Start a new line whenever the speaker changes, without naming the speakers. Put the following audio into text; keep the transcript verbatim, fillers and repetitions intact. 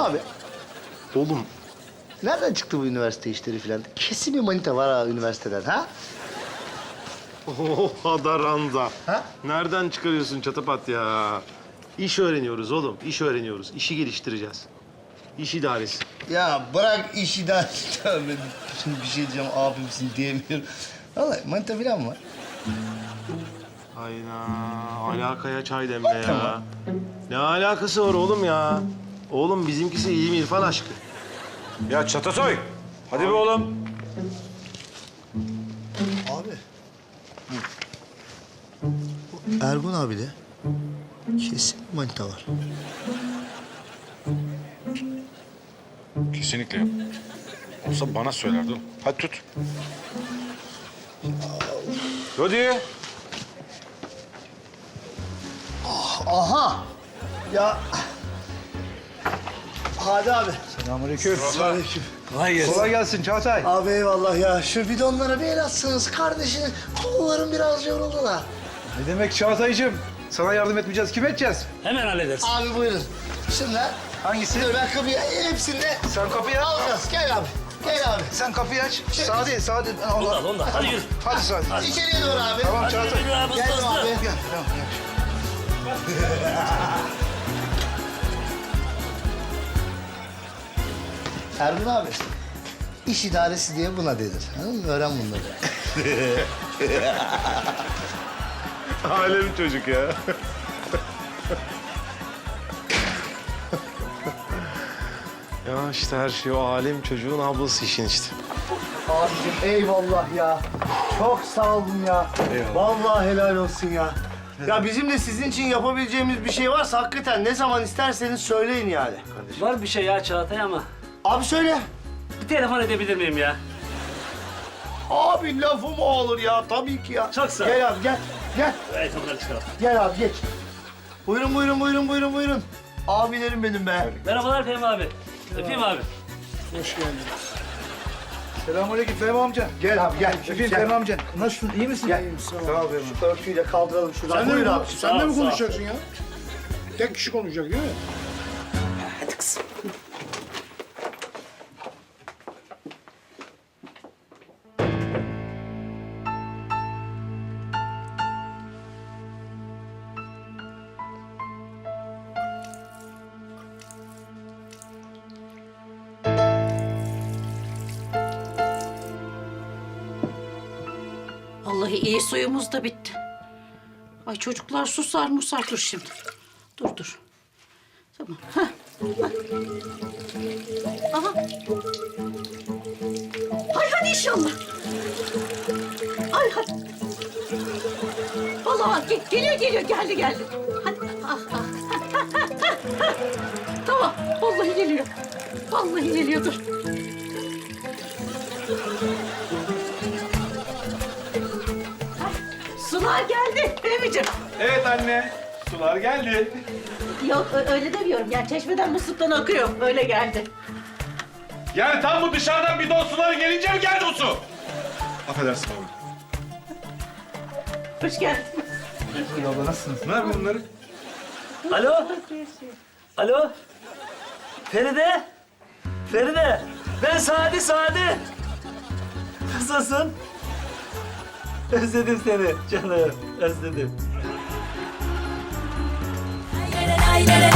abi. Oğlum, nereden çıktı bu üniversite işleri falan? Kesin bir manita var ha üniversiteden, ha?
Oh Adaranda.
Ha?
Nereden çıkarıyorsun çatapat ya? İş öğreniyoruz oğlum, iş öğreniyoruz. İşi geliştireceğiz. İş idaresi.
Ya bırak işi de. Şimdi bir şey diyeceğim, abimsin diyemiyorum. Vallahi manita falan mı var?
Hayda, alakaya çay demle ya. Ne alakası var oğlum ya? Oğlum bizimkisi iyi İrfan aşkı.
Ya Çatatoy, hadi be oğlum.
Abi. Bu Ergun abi de kesin manita var.
Kesinlikle yok. Olsa bana söylerdi oğlum. Hadi tut. Hadi.
Aha! Ya... Hadi abi.
Selamünaleyküm.
Selamünaleyküm.
Kolay gelsin. Kolay gelsin Çağatay.
Abi eyvallah ya. Şu bidonlara bir el atsanız kardeşim. Kollarım biraz yoruldu da.
Ne demek Çağatay'cığım? Sana yardım etmeyeceğiz. Kim edeceğiz?
Hemen hallederiz.
Abi buyurun. Şimdi
Hangisi?
dur ben kapıyı hepsini
Sen kapıyı aç.
alacağız. Gel abi. Gel abi.
Sen kapıyı aç. Sadi, Sadi.
Onu da al, onu da al. Hadi yürü.
Hadi Sadi.
İçeriye doğru abi.
Tamam
Hadi
Çağatay.
yürü abi, hızlı
Geldim
hızlı.
abi.
Gel, tamam, gel.
Ergun abi. İş idaresi diye buna denir. Anladın mı? Öğren bunları.
Alem çocuk ya. Ya işte her şey o alem çocuğun ablası işin işte.
Abicim eyvallah ya. Çok sağ olun ya. Eyvallah. Vallahi helal olsun ya. Ya bizim de sizin için yapabileceğimiz bir şey varsa hakikaten ne zaman isterseniz söyleyin yani.
Var bir şey ya Çağatay ama
Abi söyle.
bir telefon edebilir miyim ya?
Abi lafı mı olur ya? Tabii ki ya.
Çok sağ ol.
Gel abi gel. Gel.
Evet onları çıkaralım.
Gel abi geç. Buyurun buyurun buyurun buyurun buyurun. Abilerim benim be.
Merhabalar Fehmi abi. Öpeyim abi.
Hoş geldin. Selamünaleyküm Fehmi amca.
Gel abi gel.
Öpeyim
Gel.
Fehmi amca. Nasılsın? İyi misin?
Gel.
Sağ ol Fehmi.
Şu örtüyle kaldıralım şuradan.
Sen de,
Buyur
mi,
abi.
sen de mi
Sağ ol,
konuşacaksın ya? Tek kişi konuşacak değil mi?
Hadi kızım.
Vallahi iyi suyumuz da bitti. Ay çocuklar susar musar dur şimdi. Dur dur. Tamam. Hah. Hah. Aha. Ay hadi inşallah. Ay hadi. Vallahi ge- geliyor geliyor geldi geldi. Hadi. Ah, ah. Tamam. Vallahi geliyor. Vallahi geliyor dur. Sular geldi Fehmi'ciğim.
Evet anne. Sular geldi.
Yok ö- öyle demiyorum. Yani çeşmeden musluktan akıyor. Öyle geldi.
Yani tam bu dışarıdan bidon suları gelince mi geldi bu su? Affedersin abi.
Hoş geldin.
Abla nasılsınız? Ne yapıyorsun bunları?
Alo. Alo. Feride. Feride. Ben Sadi Sadi. Nasılsın? Özledim seni canım. Özledim.
Lay lay lay lay